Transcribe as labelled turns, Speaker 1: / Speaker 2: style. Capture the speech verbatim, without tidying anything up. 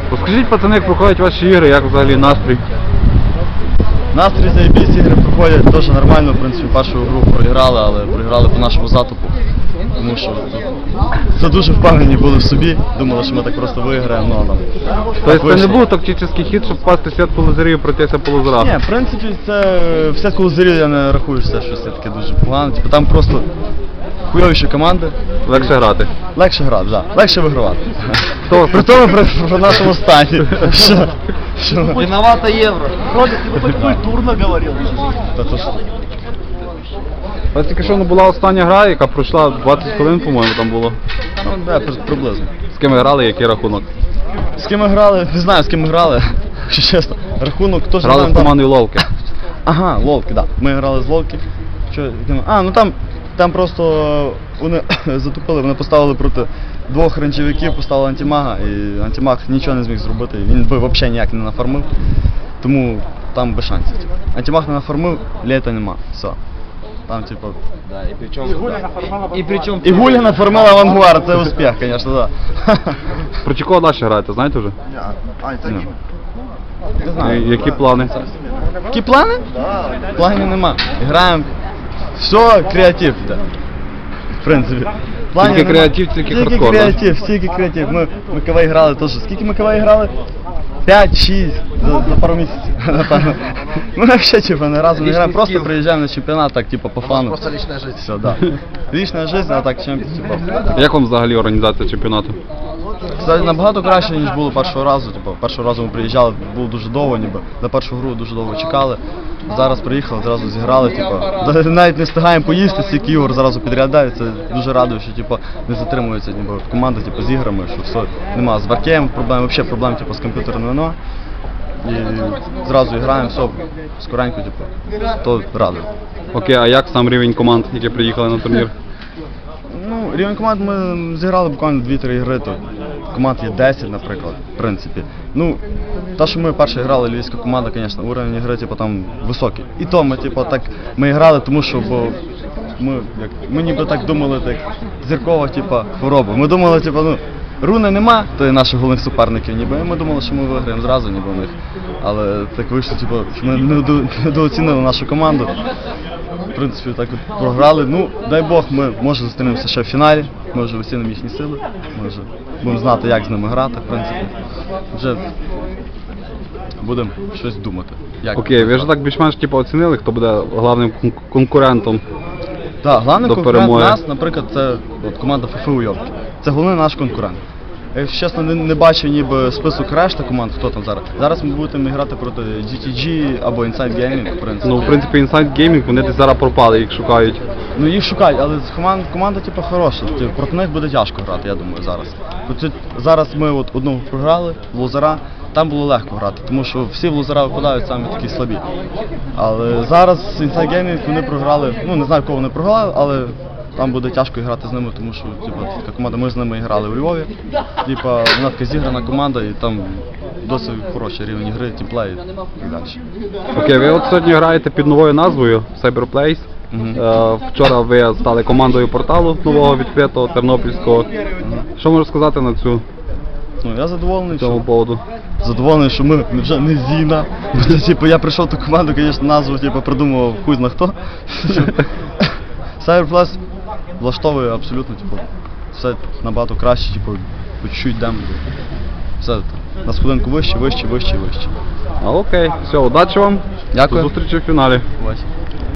Speaker 1: Розкажіть, пацани, як проходять ваші ігри, як взагалі настрій?
Speaker 2: Настрій заєбісь, ігри проходять дуже нормально, в принципі, першу гру проіграли, але проіграли по нашому затупу. Тому що це дуже впевнені були в собі, думали, що ми так просто виграємо, ну там.
Speaker 1: Тобто це не був тактичний хід, щоб впасти в сітку лазерів і пройтися по лазерах?
Speaker 2: Ні, в принципі, це в сітку лазерів я не рахую, що це щось таке дуже погано. Типу, там просто хуйовіші команди.
Speaker 1: Легше грати?
Speaker 2: Легше грати, так. Да. Легше вигравати.
Speaker 1: Хто?
Speaker 2: При тому при, при нашому стані. Що? Що?
Speaker 3: Виновата Евро. Ролик, ты бы хоть культурно говорил.
Speaker 2: Та то що?
Speaker 1: Ось тільки що була остання гра, яка пройшла двадцять хвилин, по-моєму, там було.
Speaker 2: Ну, да, приблизно.
Speaker 1: З ким ви грали, який рахунок?
Speaker 2: З ким ми грали? Не знаю, з ким ми грали, якщо чесно. Рахунок теж
Speaker 1: Грали з командою Ловки.
Speaker 2: Ага, Ловки, так. Да. Ми грали з Ловки. Що, а, ну там, там просто вони затупили, вони поставили проти двох ренчевиків, поставили антимага, і антимаг нічого не зміг зробити, він би взагалі ніяк не нафармив, тому там без шансів. Антимаг не нафармив, літа нема, все. Там типу...
Speaker 3: Да, и причем... И причем...
Speaker 2: І Гуля нафармила авангуар, це успіх, звісно, так. Да.
Speaker 1: Проти кого далі граєте, знаєте вже?
Speaker 3: А, это
Speaker 2: Ну.
Speaker 3: что?
Speaker 2: Не знаю.
Speaker 1: І які плани?
Speaker 2: Які плани? Планів нема. Граємо. Все, креатив, да. В принципі. Планів
Speaker 1: Тільки
Speaker 2: нема.
Speaker 1: креатив, тільки хардкор, да?
Speaker 2: креатив, тільки креатив. Ми ми КВ грали теж. Скільки ми КВ грали? п'ять-шість за, за пару місяців, напевно. Ми взагалі типу, не разом не граємо, просто приїжджаємо на чемпіонат, так, типу, по фану.
Speaker 3: Просто личная жизнь.
Speaker 2: Все, да. Лічна життя, а так чемпіон, типу.
Speaker 1: Як вам взагалі організація чемпіонату?
Speaker 2: Кстати, набагато краще, ніж було першого разу. Типу, першого разу ми приїжджали, було дуже довго, ніби на першу гру дуже довго чекали. Зараз приїхали, зразу зіграли, типу, навіть не встигаємо поїсти, стільки ігор зразу підрядають. Це дуже радує, що типу, не затримується ніби, команда типу, з іграми, що все, нема з варкеєм проблем, взагалі проблем типу, з комп'ютерним нема. І зразу граємо, все, скоренько, типу, то радує.
Speaker 1: Окей, а як сам рівень команд, які приїхали на турнір?
Speaker 2: Ну, рівень команд ми зіграли буквально дві-три ігри, то команд є десять, наприклад, в принципі. Ну, те, що ми перше грали, львівська команда, звісно, уровень ігри, типу, там високий. І то ми, типу, так, ми грали, тому що, бо ми, як, ми ніби так думали, так, зіркова, типу, хвороба. Ми думали, типу, ну, руни нема, то є наших головних суперників, ніби, і ми думали, що ми виграємо зразу, ніби, у них. Але так вийшло, типу, що ми недооцінили нашу команду. В принципі, так от програли. Ну, дай Бог, ми може зустрінемося ще в фіналі, ми вже оцінимо їхні сили, ми вже будемо знати, як з ними грати, в принципі. Вже будемо щось думати. Як
Speaker 1: Окей, ви ж так більш-менш типу, оцінили, хто буде головним кон- конкурентом?
Speaker 2: Так, головний
Speaker 1: до
Speaker 2: конкурент
Speaker 1: перемоги.
Speaker 2: нас, наприклад, це от, команда ФФ Уйобки. Це головний наш конкурент. Я, якщо чесно, не, не бачив ніби список решта команд, хто там зараз. Зараз ми будемо грати проти джі ті джі або Inside Gaming, в принципі.
Speaker 1: Ну, в принципі, Inside Gaming, вони десь зараз пропали, їх шукають.
Speaker 2: Ну їх шукають, але команда, команда типу, хороша. Типу, проти них буде тяжко грати, я думаю, зараз. От, зараз ми от одного програли, в лузера, там було легко грати, тому що всі в лузера випадають самі такі слабі. Але зараз Inside Gaming вони програли, ну не знаю, кого вони програли, але там буде тяжко грати з ними, тому що типу, така команда, ми з ними грали у Львові. Типу, вона така зіграна команда і там досить хороший рівень гри, тімплей і так далі.
Speaker 1: Окей, ви от сьогодні граєте під новою назвою Cyberplace.
Speaker 2: Мгм.
Speaker 1: Е, вчора ви стали командою порталу нового відкритого тернопільського. Що можеш сказати на цю
Speaker 2: Ну, я задоволений,
Speaker 1: цьому
Speaker 2: що,
Speaker 1: поводу?
Speaker 2: задоволений, що ми вже не Зіна. Це, типу, я прийшов в ту команду, звісно, назву типу, придумував хуй зна хто. Cyberplus влаштовує абсолютно, типу, все набагато краще, типу, по чуть-чуть йдемо. Все на сходинку вище, вище, вище і вище.
Speaker 1: А, окей, все, удачі вам.
Speaker 2: Дякую.
Speaker 1: До зустрічі в фіналі.
Speaker 2: Ось.